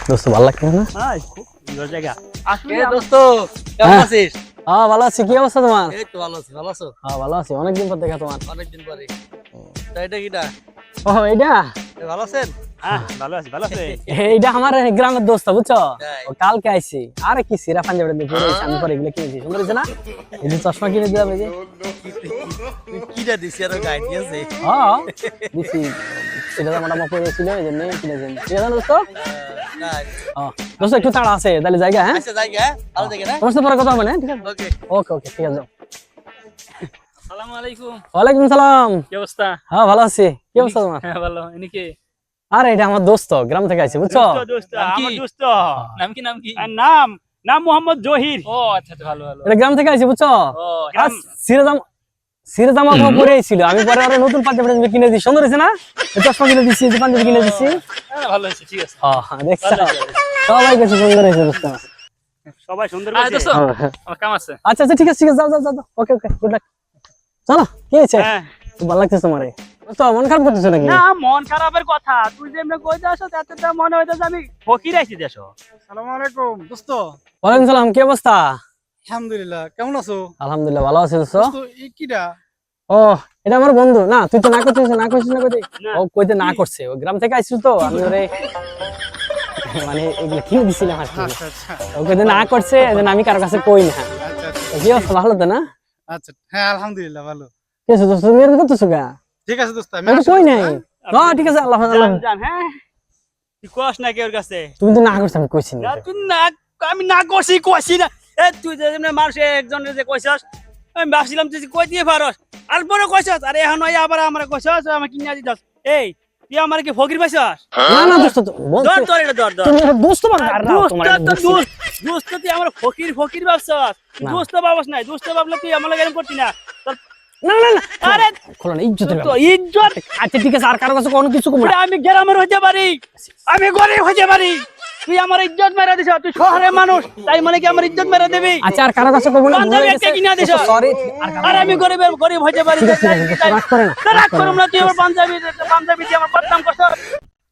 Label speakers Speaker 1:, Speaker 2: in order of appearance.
Speaker 1: দোস্ত ভালো লাগছে না?
Speaker 2: হাই খুব সুন্দর জায়গা আসলে
Speaker 3: দোস্ত কেমন আছিস?
Speaker 1: হ্যাঁ ভালো আছি। কি অবস্থা তোমার?
Speaker 3: এই তো ভালো আছি। ভালো আছো?
Speaker 1: হ্যাঁ ভালো আছি, অনেকদিন পর দেখা তোমার।
Speaker 3: অনেকদিন পরে। তা এটা কিটা?
Speaker 1: ও এইটা
Speaker 3: ভালো আছেন?
Speaker 2: হ্যাঁ ভালো আছি ভালো আছে
Speaker 1: এইটা আমার গ্রামের দোস্ত বুঝছো?
Speaker 3: তাই।
Speaker 1: ও কালকে আইছি। আরে কি সিরা পাঞ্জাবি দেখে আমি পরে এগুলো কিনেছি, সুন্দর হয়েছে না? এই যে চশমা কিনে দিলাম এই যে।
Speaker 3: তুই কিটা দিছি আর গাইড আছে?
Speaker 1: হ্যাঁ দিছি, এটা তো মোটামুটি পরে ছিল এই জন্য কিনেছি। ঠিক আছে না দোস্ত?
Speaker 3: তাই।
Speaker 1: হ্যাঁ দোস্ত একটু তাড়া আছে, তাহলে জায়গা। হ্যাঁ
Speaker 3: আচ্ছা জায়গা ভালো জায়গা না?
Speaker 1: তোমার সাথে পরে কথা হবে না? ঠিক আছে
Speaker 3: ওকে।
Speaker 1: ওকে ওকে ঠিক আছে।
Speaker 2: আসসালামু আলাইকুম
Speaker 1: ওয়ালাইকুম সালাম।
Speaker 2: কি অবস্থা
Speaker 1: হ্যাঁ ভালো আছি। কি অবস্থা তোমার?
Speaker 2: হ্যাঁ ভালো ইনি কে
Speaker 1: আরে এটা আমার দোস্ত, গ্রাম থেকে আইছে বুঝছো?
Speaker 2: দোস্ত
Speaker 4: নাম কি?
Speaker 2: আমার দোস্ত
Speaker 4: নাম কি নাম কি?
Speaker 2: আর নাম নাম মোহাম্মদ জহির
Speaker 4: ও আচ্ছা আচ্ছা, ভালো ভালো।
Speaker 1: এটা গ্রাম থেকে আইছে বুঝছো?
Speaker 4: ও
Speaker 2: গ্রাম
Speaker 1: সিরাজামা পরে ছিল, আমি পরে আরো নতুন পাঞ্জাবি কিনে দিই, সুন্দর হয়েছে না? এই চশমা কিনে দিচ্ছি, এই যে পাঞ্জাবি কিনে দিচ্ছি।
Speaker 4: হ্যাঁ, ভালো হয়েছে, ঠিক আছে।
Speaker 1: দেখছো সবাই কাছে সুন্দর হয়েছে দোস্ত।
Speaker 2: সবাই সুন্দর
Speaker 4: আরে
Speaker 2: বলছে
Speaker 4: দোস্ত, আমার কাম আছে।
Speaker 1: আচ্ছা আচ্ছা ঠিক আছে ঠিক আছে, যাও যাও যাও, ওকে ওকে গুড লাক। চলো কি হয়েছে?
Speaker 2: হ্যাঁ
Speaker 1: খুব ভালো লাগছে তোমারে। তো মন খারাপ করতেছো নাকি?
Speaker 2: না মন খারাপের কথা তুই যে এমনি কইতে আসো তাতে তো মনে হইতাছে আমি ফকির আইছি দেশো
Speaker 5: আসসালামু আলাইকুম দোস্ত।
Speaker 1: ওয়ালাইকুম সালাম, কি অবস্থা?
Speaker 5: আলহামদুলিল্লাহ, কেমন আছো?
Speaker 1: আলহামদুলিল্লাহ ভালো আছি দোস্ত।
Speaker 5: দোস্ত এই কিডা?
Speaker 1: ও এটা আমার বন্ধু। না তুই তো না করছিস, না করছিস না কইতে?
Speaker 2: না।
Speaker 1: ও কইতে না করছে, ও গ্রাম থেকে আইছিস তো আমি ওরে মানে এগুলো কিনে দিছিলাম আর কি।
Speaker 5: আচ্ছা আচ্ছা
Speaker 1: ও কইতে না করছে, এজন্য আমি কারো কাছে কই না।
Speaker 5: আচ্ছা আচ্ছা
Speaker 1: কি অবস্থা, ভালো তো না?
Speaker 5: আচ্ছা, হ্যাঁ আলহামদুলিল্লাহ ভালো।
Speaker 1: কি আছে দোস্ত, তুমি এরকম করতেছো গা?
Speaker 5: ঠিক আছে দোস্ত, আমি
Speaker 1: আমি তো
Speaker 5: আসি
Speaker 1: কই
Speaker 5: দোস্ত,
Speaker 1: নাই।
Speaker 5: হ্যাঁ?
Speaker 1: ঠিক আছে, আল্লাহ হাফেজ, আল্লাহ হাফেজ।
Speaker 2: জান হ্যাঁ তুই কস না কেউর কাছে
Speaker 1: তুমি তো না করছো, আমি কইছি না।
Speaker 2: না তুই না আমি না করছি কইছি না এ তুই যে এমনি মানুষ একজনের যে কইছস আমি ভাবছিলাম তুই যে কই দিয়ে পারস আর পরে কইছস আরে এখন ওই আবার আমার কইছস আমি কিনা দিছস এই তুই আমার কি ফকির পাইছস
Speaker 1: না না দোস্ত,
Speaker 2: ধর ধর এটা ধর ধর
Speaker 1: তুমি আমার দোস্ত বানা আর না তোমার
Speaker 2: দোস্ত তুই আমার ফকির ফকির ভাবছস
Speaker 1: না।
Speaker 2: দোস্ত ভাবস নাই দোস্ত ভাবলে তুই আমার লাগে এরকম করতি না তোর
Speaker 1: না না না
Speaker 2: আরে
Speaker 1: খোলো না, ইজ্জতের
Speaker 2: তো
Speaker 1: ব্যাপার।
Speaker 2: ইজ্জত
Speaker 1: আচ্ছা ঠিক আছে, আর কারো কাছে কোনো কিছু কম না।
Speaker 2: আমি গ্রামের হইতে পারি আমি গরিব হইতে পারি তুই আমার ইজ্জত মেরে দিছ তুই শহরের মানুষ তাই মানে কি আমার ইজ্জত মেরে দিবি
Speaker 1: আচ্ছা আর কারো কাছে কম না।
Speaker 2: পাঞ্জাবি একটা কিনা দিছ
Speaker 1: সরি।
Speaker 2: আর আমি গরিব হইতে পারি
Speaker 1: ঠিক আছে, ঠিক আছে, রাগ করে না,
Speaker 2: রাগ করুম না তুই আমার পাঞ্জাবি দিয়ে আমার বদনাম করছ